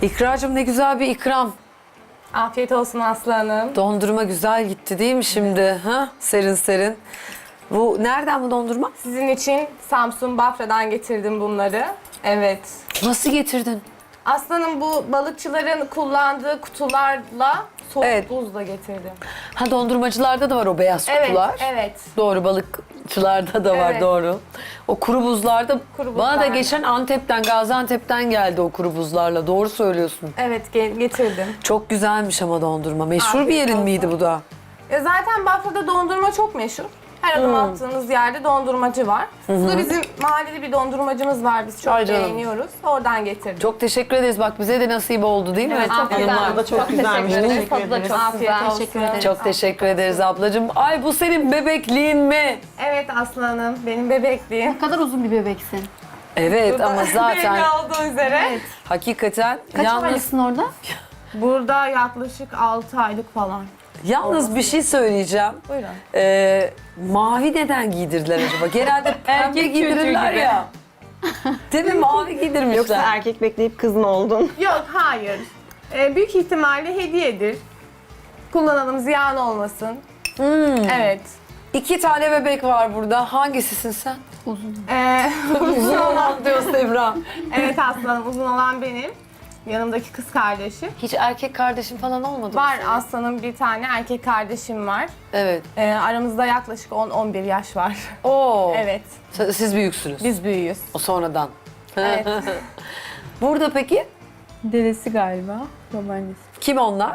İkracığım ne güzel bir ikram. Afiyet olsun Aslı Hanım. Dondurma güzel gitti değil mi şimdi? Ha? Serin serin. Bu nereden bu dondurma? Sizin için Samsun Bafra'dan getirdim bunları. Evet. Nasıl getirdin? Aslanım bu balıkçıların kullandığı kutularla soğuk Evet. buzla getirdim. Ha dondurmacılarda da var o beyaz kutular. Evet, evet. Doğru, balıkçılarda da var, Evet. doğru. O kuru buzlarda Kuru bana da buzlar. geçen Antep'ten, Gaziantep'ten geldi o kuru buzlarla. Doğru söylüyorsun. Evet, getirdim. Çok güzelmiş ama dondurma. Meşhur bir Afiyet yerin olsun. miydi bu da? Zaten Bafra'da dondurma çok meşhur. Her adım attığınız yerde dondurmacı var. Burada bizim mahallede bir dondurmacımız var. Biz çok Ay canım. beğeniyoruz. Oradan getirdim. Çok teşekkür ederiz. Bak bize de nasip oldu değil mi? Evet, çok güzel. Yanlar da çok güzelmiş. Teşekkür ederiz. Teşekkür Tadı da ederiz. çok Afiyet güzel. olsun. Teşekkür ederiz. Çok teşekkür ederiz ablacığım. Ay bu senin bebekliğin mi? Evet Aslanım, benim bebekliğim. Ne kadar uzun bir bebeksin. Evet ama Belli zaten olduğu üzere. hakikaten Kaç aylıksın orada? Burada yaklaşık 6 aylık falan. yalnız bir şey söyleyeceğim. Buyurun. Mavi neden giydirdiler acaba? Genelde pembe Erkek giydirirler çocuğu gibi. ya. Değil mi? Mavi giydirmişler. Yoksa erkek bekleyip kız mı oldun? Yok, hayır. Büyük ihtimalle hediyedir. Kullanalım, ziyan olmasın. Evet. 2 tane bebek var burada. Hangisisin sen? Uzun. Uzun olan diyor Sevra. Evet Aslanım, uzun olan benim. Yanımdaki kız kardeşim. Hiç erkek kardeşin falan olmadı mı? Var Aslanım, bir tane erkek kardeşim var. Evet. Aramızda yaklaşık 10-11 yaş var. Oo. Evet, Siz büyüksünüz. biz büyüğüz. O sonradan. Evet. Burada peki Dedesi galiba, babaannesi. kim onlar?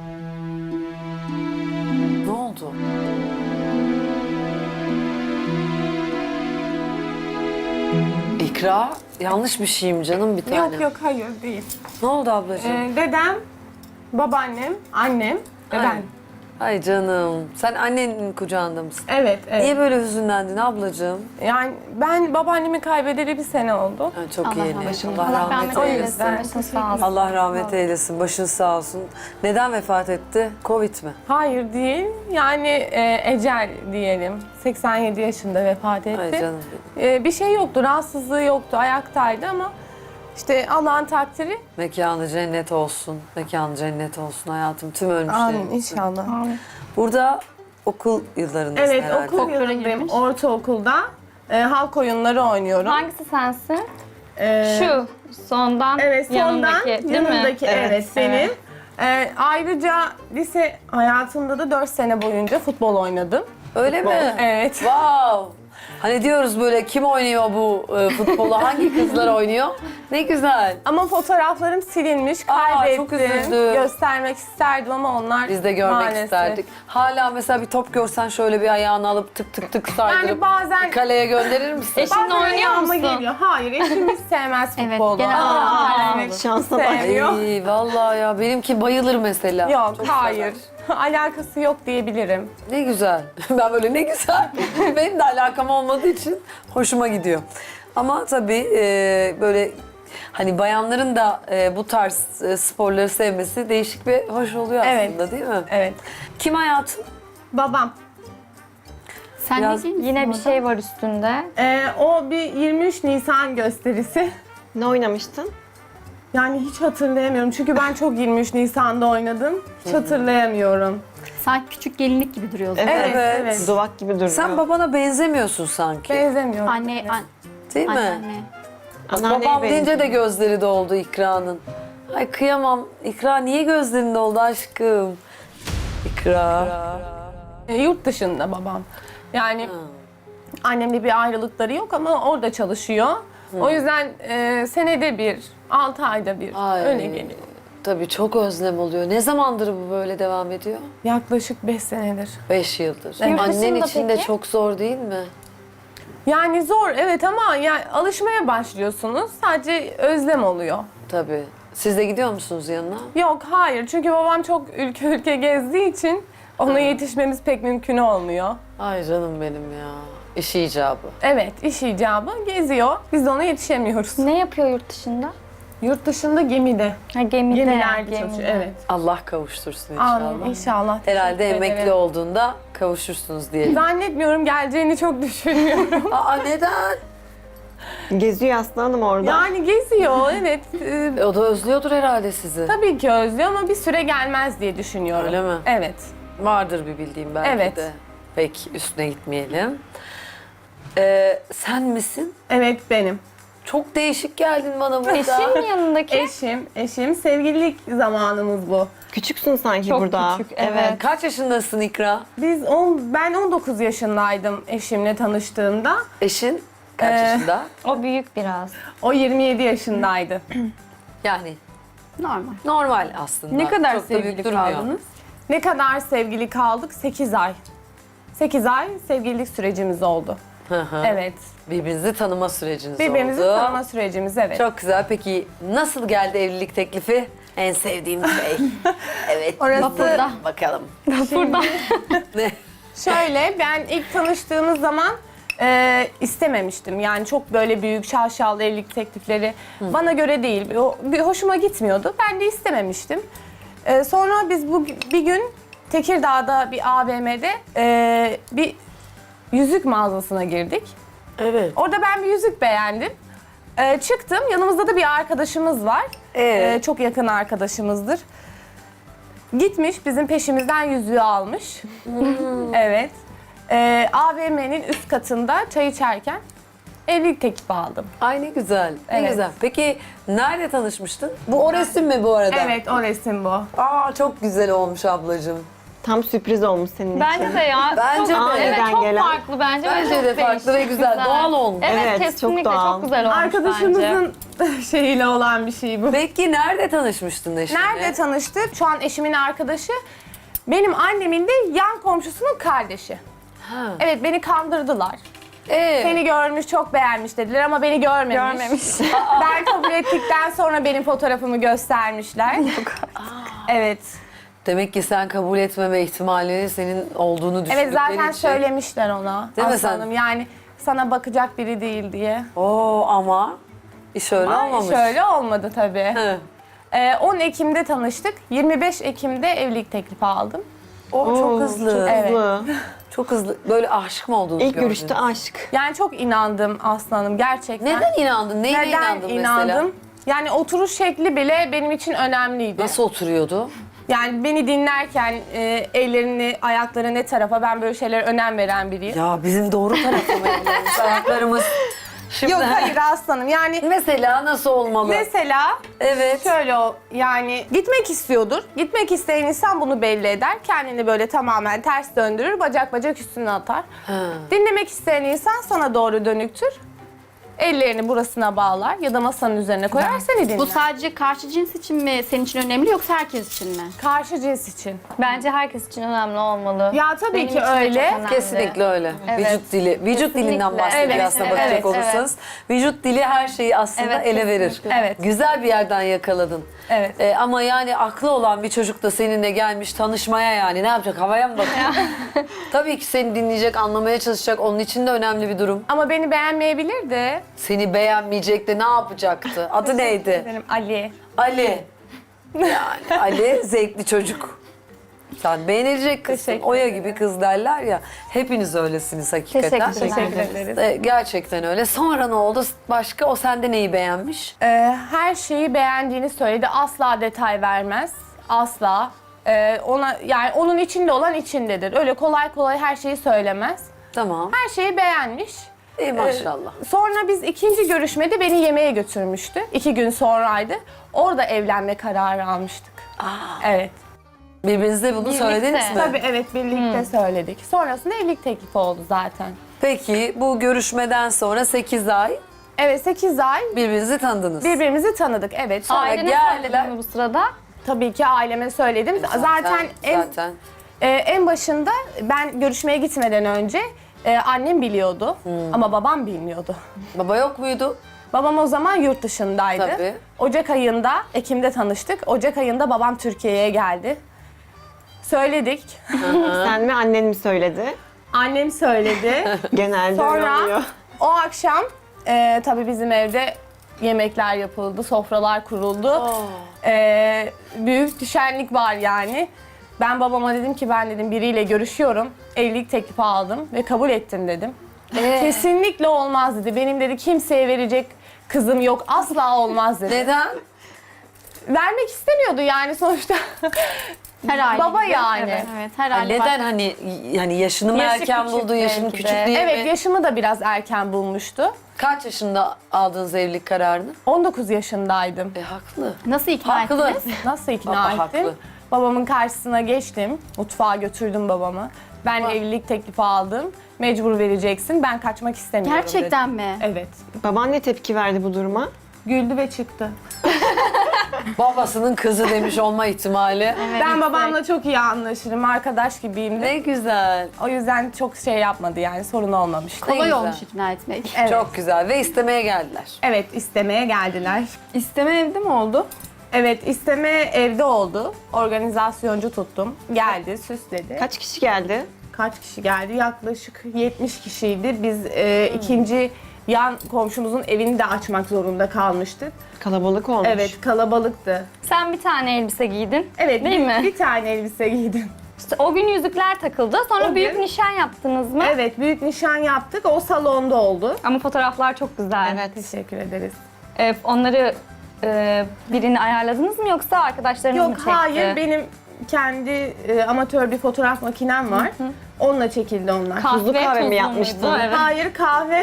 Ne oldu? İkra, yanlış bir şeyim canım bir tane. Yok yok, hayır değil. Ne oldu ablacığım? Dedem, babaannem, annem ve Ay. ben. Ay canım, sen annenin kucağında mısın? Evet, evet. Niye böyle hüzünlendin ablacığım? Yani ben babaannemi kaybedeli bir sene oldu. Ha, çok Allah yeni. rahmet eylesin. Allah Allah rahmet rahmet eylesin. eylesin. Başın sağ olsun. Allah rahmet eylesin. Başın sağ olsun. Neden vefat etti? Covid mi? Hayır değil, yani ecel diyelim. 87 yaşında vefat etti. Ay canım. Bir şey yoktu, rahatsızlığı yoktu, ayaktaydı ama işte Allah'ın takdiri. Mekanı cennet olsun. Mekanı cennet olsun hayatım. Tüm ölmüşlerin. Amin inşallah. Burada okul yıllarındasın Evet, herhalde. okul Folklora yılındayım, girmiş. ortaokulda. Halk oyunları oynuyorum. Hangisi sensin? E, Şu sondan Evet, sondan yanındaki değil mi? yanındaki evet, benim. Evet. Ayrıca lise hayatımda da 4 sene boyunca futbol oynadım. Öyle mi? Evet. Wow. Hani diyoruz böyle kim oynuyor bu futbolu? Hangi kızlar oynuyor? Ne güzel. Ama fotoğraflarım silinmiş, Aa, kaybettim. çok üzüldüm. Göstermek isterdim ama onlar Biz de görmek maalesef. isterdik. Hala mesela bir top görsen şöyle bir ayağını alıp tık tık tık saydırıp Yani bazen kaleye gönderir misin? Eşinle bazen oynuyor ayağıma musun? geliyor. Hayır, eşimiz sevmez Evet, futbolu. genel olarak Şansa bak. sevmiyor. Ay vallahi ya benimki bayılır mesela. Yok, Çok hayır. Alakası yok diyebilirim. Ne güzel. Ben böyle ne güzel. Benim de alakam olmadığı için hoşuma gidiyor. Ama tabii böyle hani bayanların da bu tarz sporları sevmesi değişik ve hoş oluyor Evet. aslında değil mi? Evet. Kim hayatım? Babam. Sen Biraz- ne giyiyorsun Yine bir orada? şey var üstünde. O bir 23 Nisan gösterisi. Ne oynamıştın? Yani hiç hatırlayamıyorum. Çünkü ben çok 23 Nisan'da oynadım. Hiç hatırlayamıyorum. Sanki küçük gelinlik gibi duruyorsun. Evet, Evet. evet. Duvak gibi duruyor. Sen babana benzemiyorsun sanki. Benzemiyorum. Anne, Değil mi? anne. Anneanneye Babam deyince benziyor. de gözleri doldu İkra'nın. Ay kıyamam. İkra niye gözlerin doldu aşkım? İkra. Yurt dışında babam. Yani annemle bir ayrılıkları yok ama orada çalışıyor. O yüzden senede bir, 6 ayda bir Ay. öyle geliyor. Tabii çok özlem oluyor. Ne zamandır bu böyle devam ediyor? Yaklaşık 5 senedir. 5 yıldır. Yurt Annen dışında için de peki? çok zor değil mi? Yani zor evet ama yani alışmaya başlıyorsunuz. Sadece özlem oluyor. Tabii. Siz de gidiyor musunuz yanına? Yok hayır çünkü babam çok ülke ülke gezdiği için ona yetişmemiz pek mümkün olmuyor. Ay canım benim ya. İş icabı. Evet iş icabı geziyor. Biz de ona yetişemiyoruz. Ne yapıyor yurt dışında? Yurt dışında gemide. Ha, gemide. Gemilerde çalışıyor. Evet. Allah kavuştursun inşallah. Amin inşallah. Herhalde Teşekkür emekli ederim. olduğunda kavuşursunuz diyelim. Zannetmiyorum geleceğini çok düşünmüyorum. Aa neden? Geziyor Aslı Hanım orada. Yani geziyor evet. O da özlüyordur herhalde sizi. Tabii ki özlüyor ama bir süre gelmez diye düşünüyorum. Öyle mi? Evet. Vardır bir bildiğim belki Evet. de. Pek üstüne gitmeyelim. Sen misin? Evet benim. Çok değişik geldin bana burada. Eşim yanındaki. Eşim. Sevgililik zamanımız bu. Küçüksün sanki Çok burada. küçük, evet. Kaç yaşındasın İkra? Ben 19 yaşındaydım eşimle tanıştığımda. Eşin kaç yaşında? O büyük biraz. O 27 yaşındaydı. Yani Normal. normal aslında. Ne kadar Çok da büyük sevgili durmuyor. kaldınız? Ne kadar sevgili kaldık? 8 ay. 8 ay sevgililik sürecimiz oldu. Hı hı. Evet. Birbirinizi tanıma süreciniz Birbirimizi oldu. tanıma sürecimiz evet. Çok güzel. Peki nasıl geldi evlilik teklifi? En sevdiğim şey. Evet. Orası- Burada. Bakalım. Burada. Ne? Şöyle ben ilk tanıştığımız zaman istememiştim. Yani çok böyle büyük şaşalı evlilik teklifleri bana göre değil. Bir hoşuma gitmiyordu. Ben de istememiştim. Sonra biz bir gün Tekirdağ'da bir AVM'de bir yüzük mağazasına girdik. Evet. Orada ben bir yüzük beğendim. Çıktım. Yanımızda da bir arkadaşımız var. Evet. Çok yakın arkadaşımızdır. Gitmiş bizim peşimizden yüzüğü almış. Evet. AVM'nin üst katında çay içerken evlilik teklifi aldım. Ay ne güzel. Ne Evet. güzel. Peki nerede tanışmıştın? Bu o resim mi bu arada? Evet o resim bu. Aa çok güzel olmuş ablacığım. Tam sürpriz olmuş senin için. Bence de ya. Bence çok, de. Evet, Aniden çok gelen. farklı bence. Bence de farklı ve güzel. Doğal olmuş. Evet, Evet, çok kesinlikle çok, doğal. güzel olmuş bence. Arkadaşımızın şeyiyle olan bir şey bu. Peki nerede tanışmıştın eşinle? Nerede tanıştık? Şu an eşimin arkadaşı. Benim annemin de yan komşusunun kardeşi. Ha. Evet beni kandırdılar. Ee, Seni görmüş, çok beğenmiş dediler ama beni görmemiş. Ben kabul ettikten sonra benim fotoğrafımı göstermişler. Evet. Demek ki sen kabul etmeme ihtimali senin olduğunu düşündükleri Evet zaten için. söylemişler ona. Değil mi Aslanım. sen? Yani sana bakacak biri değil diye. Oo ama iş öyle Ama olmamış. şöyle olmadı tabii. Hı. 10 Ekim'de tanıştık. 25 Ekim'de evlilik teklifi aldım. O çok Oo, hızlı. Çok Evet. hızlı. Çok hızlı. Böyle aşık mı oldunuz? İlk gördünüz? görüşte aşk. Yani çok inandım aslanım gerçekten. Neden inandın? Neyine Neden inandın inandım? mesela? Yani oturuş şekli bile benim için önemliydi. Nasıl oturuyordu? Yani beni dinlerken ellerini, ayakları ne tarafa ben böyle şeylere önem veren biriyim. Ya bizim doğru tarafı mı ellerimiz, ayaklarımız? Şimdi Yok hayır aslanım yani mesela nasıl olmalı? mesela Evet. şöyle yani gitmek istiyordur. Gitmek isteyen insan bunu belli eder. Kendini böyle tamamen ters döndürür, bacak bacak üstüne atar. Ha. Dinlemek isteyen insan sana doğru dönüktür. Ellerini burasına bağlar ya da masanın üzerine koyar seni dinler. Bu sadece karşı cins için mi senin için önemli yoksa herkes için mi? Karşı cins için. Bence herkes için önemli olmalı. Ya tabii Benim ki için de öyle. çok önemli. Kesinlikle öyle. Evet. Vücut dili. Vücut dilinden Kesinlikle. bahsediyor Evet, aslında evet, bakacak evet. olursanız. Vücut dili her şeyi aslında Evet, ele verir. kesinlikle. Evet. Güzel bir yerden yakaladın. Evet. Ama yani aklı olan bir çocuk da seninle gelmiş tanışmaya yani ne yapacak? Havaya mı bakıyor? Tabii ki seni dinleyecek, anlamaya çalışacak. Onun için de önemli bir durum. Ama beni beğenmeyebilir de. Seni beğenmeyecek de ne yapacaktı? Adı neydi? Benim Ali. Ali. Yani Ali zevkli çocuk. Sen beğenilecek kızsın. Teşekkür Oya ederim. gibi kız derler ya. Hepiniz öylesiniz hakikaten. Teşekkür ederiz. Gerçekten öyle. Sonra ne oldu? Başka o sende neyi beğenmiş? Her şeyi beğendiğini söyledi. Asla detay vermez. Asla. Ona yani onun içinde olan içindedir. Öyle kolay kolay her şeyi söylemez. Tamam. Her şeyi beğenmiş. İyi maşallah. Sonra biz ikinci görüşmede beni yemeğe götürmüştü. 2 gün sonraydı. Orada evlenme kararı almıştık. Evet. Birbirinize bunu Birlikte. söylediniz mi? Tabii evet birlikte söyledik. Sonrasında evlilik teklifi oldu zaten. Peki bu görüşmeden sonra 8 ay Evet 8 ay birbirinizi tanıdınız. birbirimizi tanıdık. Evet. Sonra Ailene geldiler. söyledin mi bu sırada? tabii ki aileme söyledim. Zaten en başında ben görüşmeye gitmeden önce annem biliyordu ama babam bilmiyordu. Baba yok muydu? Babam o zaman yurt dışındaydı. Tabii. Ocak ayında, Ekim'de tanıştık. Ocak ayında babam Türkiye'ye geldi. Söyledik. Sen mi annen mi söyledi? Annem söyledi. Genelde öyle Sonra oluyor. o akşam tabii bizim evde yemekler yapıldı, sofralar kuruldu. Büyük bir şenlik var yani. Ben babama dedim ki ben dedim biriyle görüşüyorum. Evlilik teklifi aldım ve kabul ettim dedim. Kesinlikle olmaz dedi. Benim dedi kimseye verecek kızım yok. Asla olmaz dedi. Neden? Vermek istemiyordu yani sonuçta. Her aile Baba gibi. yani. Evet, her aile Neden var. hani yani yaşını mı Yaşı erken küçük buldu, yaşını belki küçük de. değil Evet, mi? yaşımı da biraz erken bulmuştu. Kaç yaşında aldınız evlilik kararını? 19 yaşındaydım. Haklı. Nasıl ikna Haklı. ettiniz? Nasıl ikna Baba ettim? haklı. Babamın karşısına geçtim. Mutfağa götürdüm babamı. Ben evlilik teklifi aldım. Mecbur vereceksin. Ben kaçmak istemiyorum Gerçekten dedim. mi? Evet. Baban ne tepki verdi bu duruma? Güldü ve çıktı. Babasının kızı demiş olma ihtimali. Ben babamla çok iyi anlaşırım. Arkadaş gibiyim de. Ne güzel. O yüzden çok şey yapmadı yani. Sorun olmamıştı. Ne Kolay güzel. olmuş ikna etmek. Evet. Çok güzel ve istemeye geldiler. Evet, istemeye geldiler. İsteme evde mi oldu? Evet, isteme evde oldu. Organizasyoncu tuttum. Geldi, süsledi. Kaç kişi geldi? Kaç kişi geldi? Yaklaşık 70 kişiydi. Biz ikinci yan komşumuzun evini de açmak zorunda kalmıştık. Kalabalık olmuş. Evet, kalabalıktı. Sen bir tane elbise giydin. Evet, Değil mi? bir tane elbise giydim. İşte o gün yüzükler takıldı. Sonra O büyük gün- nişan yaptınız mı? Evet, büyük nişan yaptık. O salonda oldu. Ama fotoğraflar çok güzel. Evet. Teşekkür ederiz. Onları birini ayarladınız mı yoksa arkadaşlarınız mı Yok, çekti? hayır. Benim kendi amatör bir fotoğraf makinem var. Onunla çekildi onlar. Tuzlu kahve mi tuzlu yapmıştın? muydu? Evet. Hayır,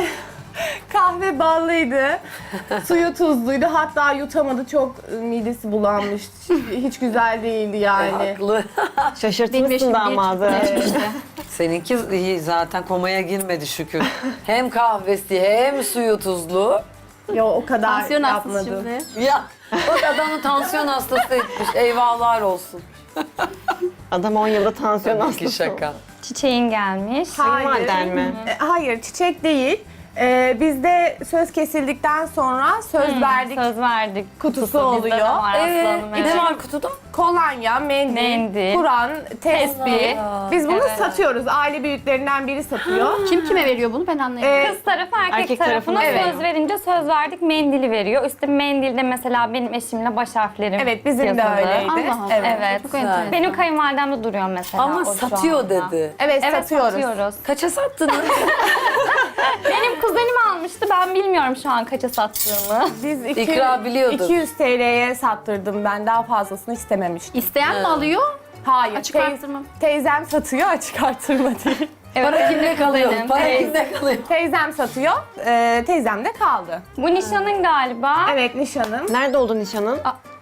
kahve ballıydı. Suyu tuzluydu. Hatta yutamadı. Çok midesi bulanmış. Hiç güzel değildi yani. Haklı. Benim Şaşırtmışsın yaşım damadı. geçti. Seninki iyi zaten komaya girmedi şükür. Hem kahvesi hem suyu tuzlu. Yo, o kadar Tansiyon hastası yapmadı. şimdi. Ya bak adamı tansiyon hastası etmiş. Eyvahlar olsun. Adam 10 yılda tansiyon Tabii ki hastası. şaka. Çiçeğin gelmiş. Kayınvaliden mi? Hayır, çiçek değil. Bizde söz kesildikten sonra söz verdik. Söz verdik. Kutusu Bizde de oluyor. var aslanım, evet. Ne var kutuda? Kolonya, mendil, Mendil. Kur'an, tesbih. Biz bunu Evet. satıyoruz. Aile büyüklerinden biri satıyor. Kim kime veriyor bunu ben anlayamadım. Kız tarafı erkek, Erkek tarafına tarafına söz verince söz verdik mendili veriyor. Üstü mendilde mesela benim eşimle baş harflerim Evet, bizim de yazılı. öyleydi. Allah Allah. Evet. Evet. Çok enteresan. Benim kayınvalidemde duruyor mesela. Ama o şu satıyor anda. dedi. Evet, Evet, satıyoruz. satıyoruz. Kaça sattınız? Benim kuzenim almıştı. Ben bilmiyorum şu an kaça sattığımı. Biz İkra biliyordur. 200 TL'ye sattırdım ben. Daha fazlasını istememiştim. İsteyen mi alıyor? Hayır. Açık artırma. Teyzem satıyor, açık artırma değil. Para kimde kalıyor? benim. Para Evet. kimde kalıyor? Teyzem satıyor, teyzem de kaldı. Bu nişanın galiba. Evet, nişanım. Nerede oldu nişanın?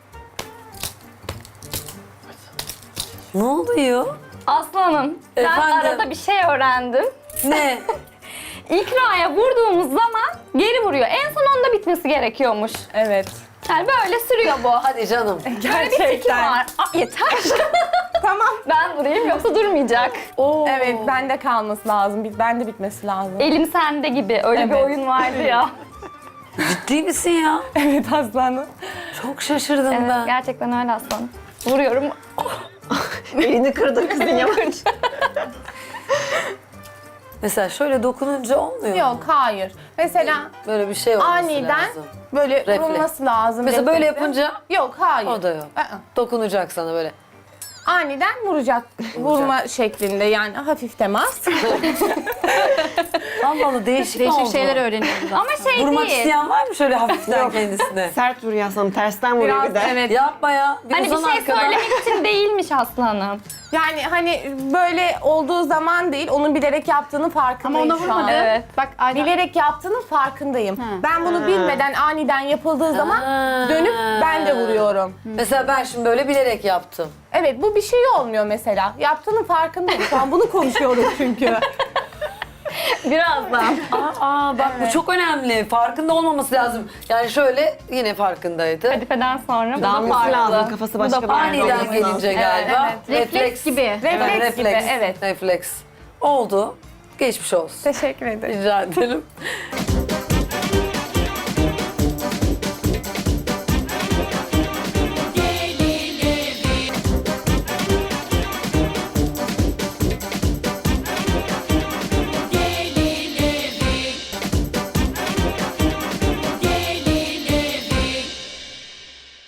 Ne oluyor? Aslanım, ben Efendim? arada bir şey öğrendim. Ne? İkraya vurduğumuz zaman geri vuruyor. En son onda bitmesi gerekiyormuş. Evet. Yani böyle sürüyor bu. Hadi canım. Böyle bir tiki Gerçekten. var. Yeter. Tamam. Ben vurayım yoksa durmayacak. Oo. Evet, bende kalması lazım. Bende bitmesi lazım. Elim sende gibi. Öyle bir Evet. oyun vardı ya. Ciddi misin ya? Evet, aslanım. Çok şaşırdım Evet, ben. gerçekten öyle aslanım. Vuruyorum. Elini kırdı kızın yavaş. Mesela şöyle dokununca olmuyor mu? Yok, hayır. Mesela Böyle bir şey olması aniden lazım. böyle Refleks. vurulması lazım. Mesela böyle refleksi. yapınca Yok, hayır. o da yok. Aa. Dokunacak sana böyle. Aniden vuracak. Vurma şeklinde yani hafif temas. Allah Allah değişik Değişik oldu. şeyler öğreniyoruz. Ama şey Vurmak değil. isteyen var mı şöyle hafiften kendisine? Sert vuruyor aslanım. Tersten vuruyor Biraz bir de. evet. Yapma ya. Hani bir uzan şey arkadan. söylemek için değilmiş aslanım. Yani hani böyle olduğu zaman değil, onun bilerek yaptığını Ama farkındayım ona şu an. vurmadı. Evet. Bak aynen. Bilerek yaptığının farkındayım. Ha. Ben bunu bilmeden aniden yapıldığı zaman dönüp ben de vuruyorum. Mesela ben şimdi böyle bilerek yaptım. Evet, bu bir şey olmuyor mesela. Yaptığının farkındayım. Şu an bunu konuşuyorum çünkü. Birazdan. Bak bu çok önemli. Farkında olmaması lazım. Yani şöyle yine farkındaydı. Kadifeden sonra bu da Dağılması farklı. lazım. Kafası başka bir yerde Aniden olması lazım. gelince galiba. Refleks gibi. Refleks gibi, evet. Refleks. Oldu. Geçmiş olsun. Teşekkür ederim. Rica ederim.